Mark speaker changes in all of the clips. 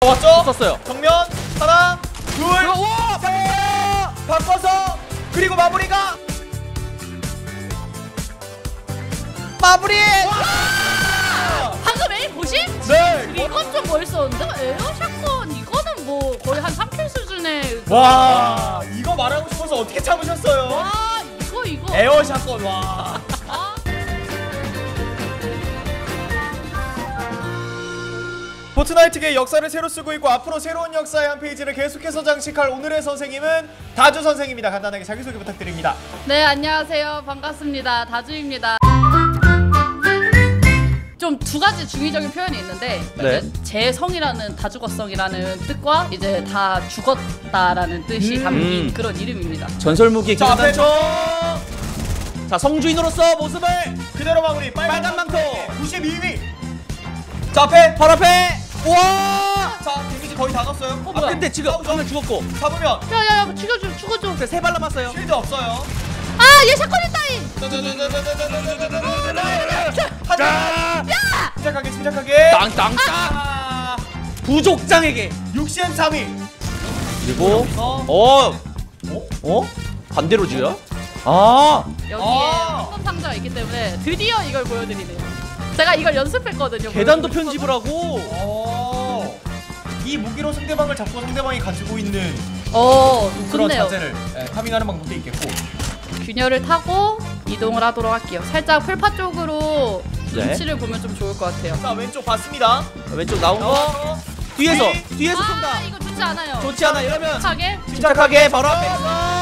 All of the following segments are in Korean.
Speaker 1: 왔죠?
Speaker 2: 썼어요.
Speaker 1: 정면 하나, 둘, 셋. 바꿔서 그리고 마무리가 마무리.
Speaker 3: 방금 에임 보시?
Speaker 1: 네.
Speaker 3: 이건 좀 멋있었는데? 에어샷건 이거는 뭐 거의 한 3킬 수준의
Speaker 1: 와, 이거 말하고 싶어서 어떻게 참으셨어요?
Speaker 3: 와 이거
Speaker 1: 에어샷건. 와. 포트나이트계의 역사를 새로 쓰고 있고 앞으로 새로운 역사의 한 페이지를 계속해서 장식할 오늘의 선생님은 다주 선생입니다. 간단하게 자기소개 부탁드립니다.
Speaker 3: 네 안녕하세요 반갑습니다 다주입니다. 좀 두 가지 중의적인 표현이 있는데
Speaker 2: 네.
Speaker 3: 제 성이라는 다 죽었성이라는 뜻과 이제 다 죽었다라는 뜻이 담긴 그런 이름입니다.
Speaker 2: 전설무기의
Speaker 1: 자, 앞에
Speaker 2: 자, 성주인으로서 모습을
Speaker 1: 그대로 마무리.
Speaker 2: 빨간 망토
Speaker 1: 92위. 자, 앞에
Speaker 2: 바로 앞에. 와!
Speaker 1: 자, 데미지 거의 다 넣었어요.
Speaker 2: 아, 근데 지금 화면 죽었고.
Speaker 1: 잡으면
Speaker 3: 야야야 죽어줘.
Speaker 2: 세 발 남았어요.
Speaker 1: 쉴드 없어요.
Speaker 3: 아얘 샷건 있다잉.
Speaker 1: 침착하게.
Speaker 2: 땅땅땅. 부족장에게.
Speaker 1: 63위.
Speaker 2: 그리고
Speaker 1: 어?
Speaker 2: 반대로 지어요? 아.
Speaker 3: 여기에 황금 상자가 있기 때문에 드디어 이걸 보여드리네요. 제가 이걸 연습했거든요.
Speaker 2: 계단도 편집을 하고.
Speaker 1: 이 무기로 상대방을 잡고 상대방이 가지고 있는 그런
Speaker 3: 좋네요.
Speaker 1: 자세를 파밍하는 방법도 있겠고.
Speaker 3: 균열을 타고 이동을 하도록 할게요. 살짝 풀파 쪽으로
Speaker 2: 네.
Speaker 3: 눈치를 보면 좀 좋을 것 같아요.
Speaker 1: 자, 왼쪽 봤습니다.
Speaker 2: 왼쪽 나온 거. 뒤에서 쏜다.
Speaker 3: 이거 좋지 않아요.
Speaker 2: 좋지 않아. 이러면
Speaker 1: 침착하게
Speaker 2: 바로 앞에서.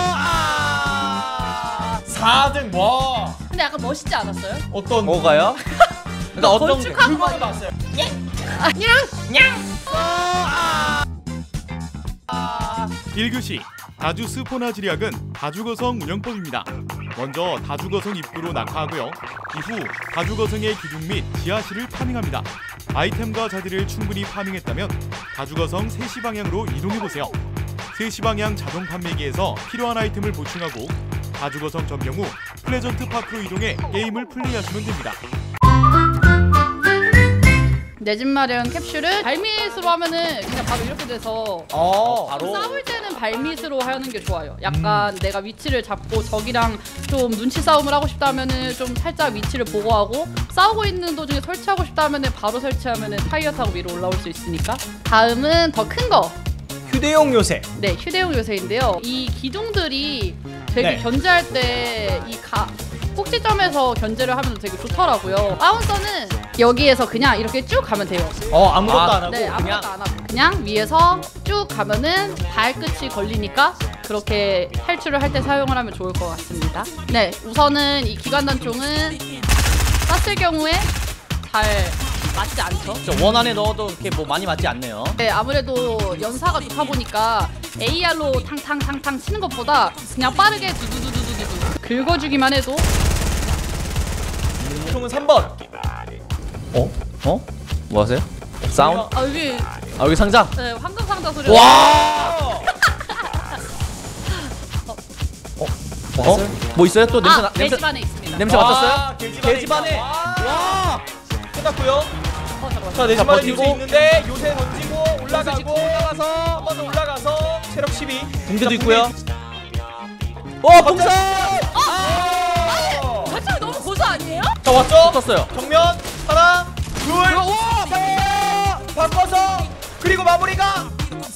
Speaker 1: 4등. 와.
Speaker 3: 근데 약간 멋있지 않았어요?
Speaker 1: 어떤
Speaker 2: 뭐가요? 그러니까 어떤 게?
Speaker 3: 건축하고
Speaker 1: 그거는 봤어요.
Speaker 3: 냥!
Speaker 4: 1교시 다주 스포나 지략은 다주거성 운영법입니다. 먼저 다주거성 입구로 낙하하고요. 이후 다주거성의 기둥 및 지하실을 파밍합니다. 아이템과 자재를 충분히 파밍했다면 다주거성 3시 방향으로 이동해보세요. 3시 방향 자동 판매기에서 필요한 아이템을 보충하고 다주거성 점령 후 플레전트 파크로 이동해 게임을 플레이하시면 됩니다.
Speaker 3: 내 집 마련 캡슐은 발밑으로 하면은 그냥 바로 이렇게 돼서
Speaker 2: 바로
Speaker 3: 싸울 때는 발밑으로 하는 게 좋아요. 약간 내가 위치를 잡고 적이랑 좀 눈치 싸움을 하고 싶다 하면은 좀 살짝 위치를 보고하고 싸우고 있는 도중에 설치하고 싶다 하면은 바로 설치하면은 타이어 타고 위로 올라올 수 있으니까. 다음은 더 큰 거.
Speaker 1: 휴대용 요새.
Speaker 3: 네, 휴대용 요새인데요. 이 기둥들이 되게
Speaker 1: 네.
Speaker 3: 견제할 때 이 꼭지점에서 견제를 하면 되게 좋더라고요. 바운서는 여기에서 그냥 이렇게 쭉 가면 돼요.
Speaker 1: 아무것도 안 하고.
Speaker 3: 네, 아무것도 안 하고 그냥 위에서 쭉 가면은 발끝이 걸리니까 그렇게 탈출을 할 때 사용을 하면 좋을 것 같습니다. 네, 우선은 이 기관단총은 쐈을 경우에 잘 맞지 않죠.
Speaker 2: 원 안에 넣어도 이렇게 뭐 많이 맞지 않네요.
Speaker 3: 네, 아무래도 연사가 좋다 보니까 AR로 탕탕탕탕 치는 것보다 그냥 빠르게 두두두두두두 긁어주기만 해도.
Speaker 1: 총은 3번.
Speaker 2: 뭐 하세요? 사운드?
Speaker 3: 여기
Speaker 2: 상자?
Speaker 3: 네, 황금 상자 소리.
Speaker 2: 와! 뭐 있어요? 또 냄새
Speaker 3: 내 집 안에 있습니다.
Speaker 2: 냄새 맡았어요?
Speaker 1: 계집 안에. 와. 끝났고요. 자, 내 집 안에 요새
Speaker 2: 버티고.
Speaker 1: 있는데 요새 던지고 올라가고 한 번 더 올라가서 체력 12.
Speaker 2: 붕대도
Speaker 1: 자,
Speaker 2: 있고요. 풍선!
Speaker 3: 가ച്ചാ 너무 고소 아니에요?
Speaker 1: 자, 왔죠?
Speaker 2: 떴어요.
Speaker 1: 정면 하나, 둘, 셋. 바꿔서 그리고 마무리가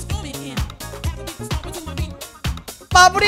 Speaker 1: 마무리.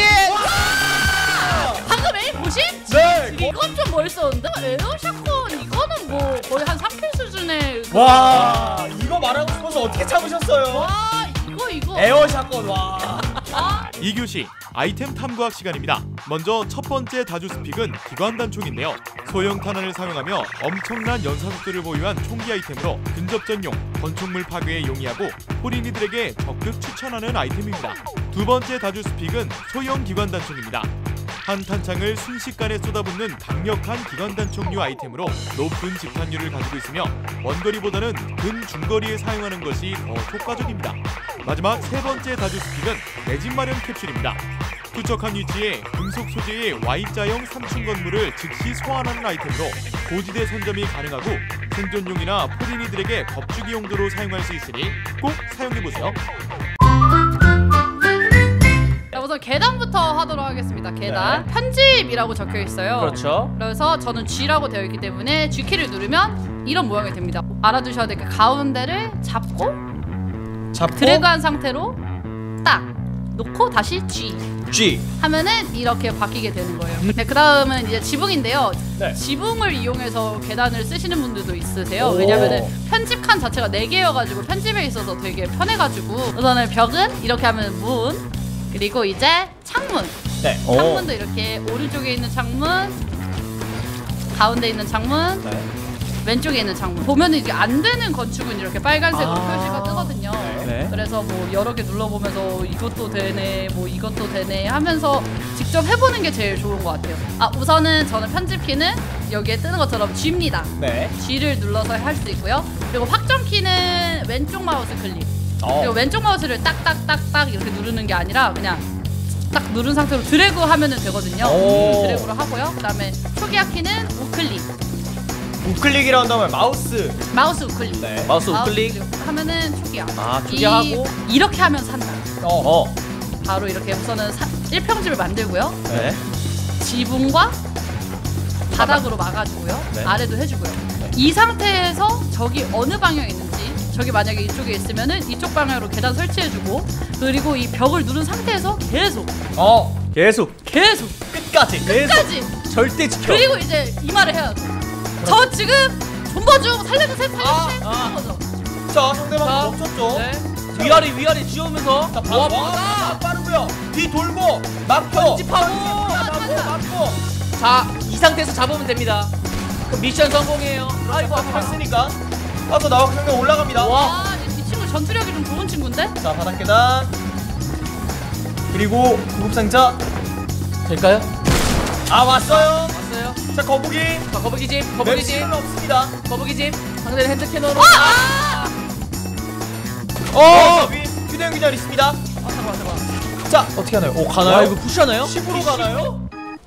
Speaker 3: 방금 에임 보시?
Speaker 1: 네.
Speaker 3: 이건 좀 멋있었는데? 에어샷건 이거는 뭐 거의 한 3킬 수준의
Speaker 1: 와, 이거 말하고 싶어서 어떻게 참으셨어요?
Speaker 3: 와 이거
Speaker 1: 에어샷건. 와.
Speaker 4: 2교시 아이템 탐구학 시간입니다. 먼저 첫 번째 다주 스픽은 기관단총인데요. 소형 탄환을 사용하며 엄청난 연사속도를 보유한 총기 아이템으로 근접전용, 건축물 파괴에 용이하고 호린이들에게 적극 추천하는 아이템입니다. 두 번째 다주 스픽은 소형 기관단총입니다. 한 탄창을 순식간에 쏟아붓는 강력한 기관단총류 아이템으로 높은 집탄율을 가지고 있으며 원거리보다는 근중거리에 사용하는 것이 더 효과적입니다. 마지막 세 번째 다주 스픽은 내 집 마련 캡슐입니다. 투척한 위치에 금속 소재의 Y자형 3층 건물을 즉시 소환하는 아이템으로 고지대 선점이 가능하고 생존용이나 포린이들에게 겁주기 용도로 사용할 수 있으니 꼭 사용해보세요.
Speaker 3: 자, 우선 계단부터 하도록 하겠습니다. 계단 편집이라고 적혀 있어요.
Speaker 2: 그렇죠.
Speaker 3: 그래서 저는 G라고 되어 있기 때문에 G키를 누르면 이런 모양이 됩니다. 알아두셔야 될 게 가운데를 잡고 드래그한 상태로 딱 놓고 다시 G 하면은 이렇게 바뀌게 되는 거예요. 네, 그 다음은 이제 지붕인데요.
Speaker 1: 네.
Speaker 3: 지붕을 이용해서 계단을 쓰시는 분들도 있으세요. 왜냐면은 편집 칸 자체가 4개여가지고 편집에 있어서 되게 편해가지고 우선은 벽은 이렇게 하면 문, 그리고 이제 창문.
Speaker 1: 네.
Speaker 3: 창문도 이렇게 오른쪽에 있는 창문, 가운데 있는 창문,
Speaker 1: 네.
Speaker 3: 왼쪽에 있는 창문. 보면은 이게 안 되는 건축은 이렇게 빨간색으로 표시가 뜨거든요.
Speaker 2: 네.
Speaker 3: 그래서 뭐 여러 개 눌러보면서 이것도 되네, 뭐 이것도 되네 하면서 직접 해보는 게 제일 좋은 것 같아요. 아, 우선은 저는 편집키는 여기에 뜨는 것처럼 G입니다.
Speaker 1: 네.
Speaker 3: G를 눌러서 할 수 있고요. 그리고 확정키는 왼쪽 마우스 클릭. 그리고 왼쪽 마우스를 딱딱딱딱 이렇게 누르는 게 아니라 그냥 딱 누른 상태로 드래그 하면은 되거든요. 드래그로 하고요. 그 다음에 초기화 키는 우클릭.
Speaker 1: 우클릭이라고 한다면 마우스.
Speaker 3: 마우스 우클릭.
Speaker 1: 네.
Speaker 2: 마우스 우클릭.
Speaker 3: 하면은 초기화.
Speaker 2: 아, 초기화하고.
Speaker 3: 이렇게 하면 산다.
Speaker 2: 어.
Speaker 3: 바로 이렇게 우선은 1평집을 만들고요.
Speaker 2: 네.
Speaker 3: 지붕과 바닥으로 막아주고요.
Speaker 2: 네.
Speaker 3: 아래도 해주고요. 이 상태에서 저기 어느 방향에 있는지, 저기 만약에 이쪽에 있으면은 이쪽 방향으로 계단 설치해주고, 그리고 이 벽을 누른 상태에서 계속
Speaker 1: 끝까지.
Speaker 2: 절대 지켜.
Speaker 3: 그리고 이제 이 말을 해야 돼. 저 지금 존버 중 살려주세요 이런 거죠.
Speaker 1: 자, 상대방
Speaker 2: 자,
Speaker 1: 멈췄죠.
Speaker 2: 네. 위아래 지우면서
Speaker 1: 자, 빠르고요. 뒤 돌고 막고
Speaker 2: 편집하고.
Speaker 1: 막고.
Speaker 2: 자, 이 상태에서 잡으면 됩니다. 그럼 미션 성공이에요.
Speaker 1: 아이고, 아까 했으니까 빠져 나와서 상대 올라갑니다.
Speaker 2: 와.
Speaker 3: 이 친구 전투력이 좀 좋은 친구인데?
Speaker 1: 자, 바닥 계단. 그리고 구급상자.
Speaker 2: 될까요?
Speaker 1: 아, 왔어요.
Speaker 2: 왔어요.
Speaker 1: 자, 거북이.
Speaker 2: 자, 거북이집.
Speaker 1: 맵시는 없습니다.
Speaker 2: 거북이집. 상대는 핸드캐너로.
Speaker 1: 위 휴대용 기절 있습니다.
Speaker 2: 잠깐만.
Speaker 1: 자, 어떻게 하나요? 오,
Speaker 2: 와,
Speaker 1: 가나요?
Speaker 2: 이거 푸시하나요?
Speaker 1: 10으로 가나요?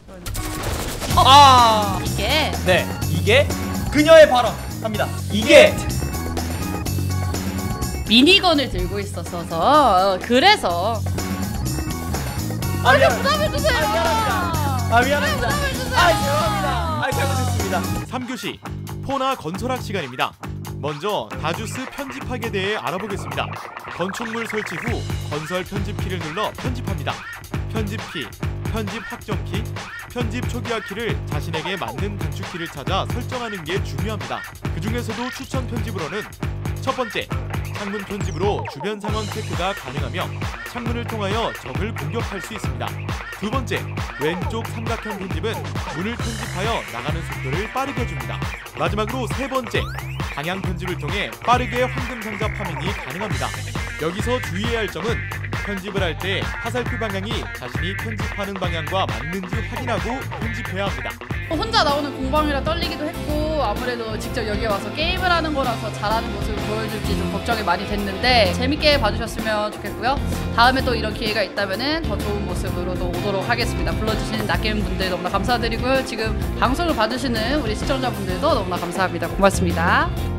Speaker 3: 이게
Speaker 1: 네, 이게 그녀의 발언 합니다. 이게
Speaker 3: 미니건을 들고 있었어서 그래서 부담을 주세요.
Speaker 1: 미안합니다.
Speaker 3: 부담을 주세요.
Speaker 1: 죄송합니다. 잘못했습니다.
Speaker 4: 3교시 포나 건설학 시간입니다. 먼저 다주스 편집학에 대해 알아보겠습니다. 건축물 설치 후 건설 편집키를 눌러 편집합니다. 편집키, 편집 확정키, 편집 초기화 키를 자신에게 맞는 단축키를 찾아 설정하는 게 중요합니다. 그 중에서도 추천 편집으로는 첫 번째, 창문 편집으로 주변 상황 체크가 가능하며 창문을 통하여 적을 공격할 수 있습니다. 두 번째, 왼쪽 삼각형 편집은 문을 편집하여 나가는 속도를 빠르게 해줍니다. 마지막으로 세 번째, 방향 편집을 통해 빠르게 황금 상자 파밍이 가능합니다. 여기서 주의해야 할 점은 편집을 할 때 화살표 방향이 자신이 편집하는 방향과 맞는지 확인하고 편집해야 합니다.
Speaker 3: 혼자 나오는 공방이라 떨리기도 했고 아무래도 직접 여기 와서 게임을 하는 거라서 잘하는 모습을 보여줄지 좀 걱정이 많이 됐는데 재밌게 봐주셨으면 좋겠고요. 다음에 또 이런 기회가 있다면 더 좋은 모습으로도 오도록 하겠습니다. 불러주시는 낚임 분들 너무나 감사드리고요. 지금 방송을 봐주시는 우리 시청자분들도 너무나 감사합니다. 고맙습니다.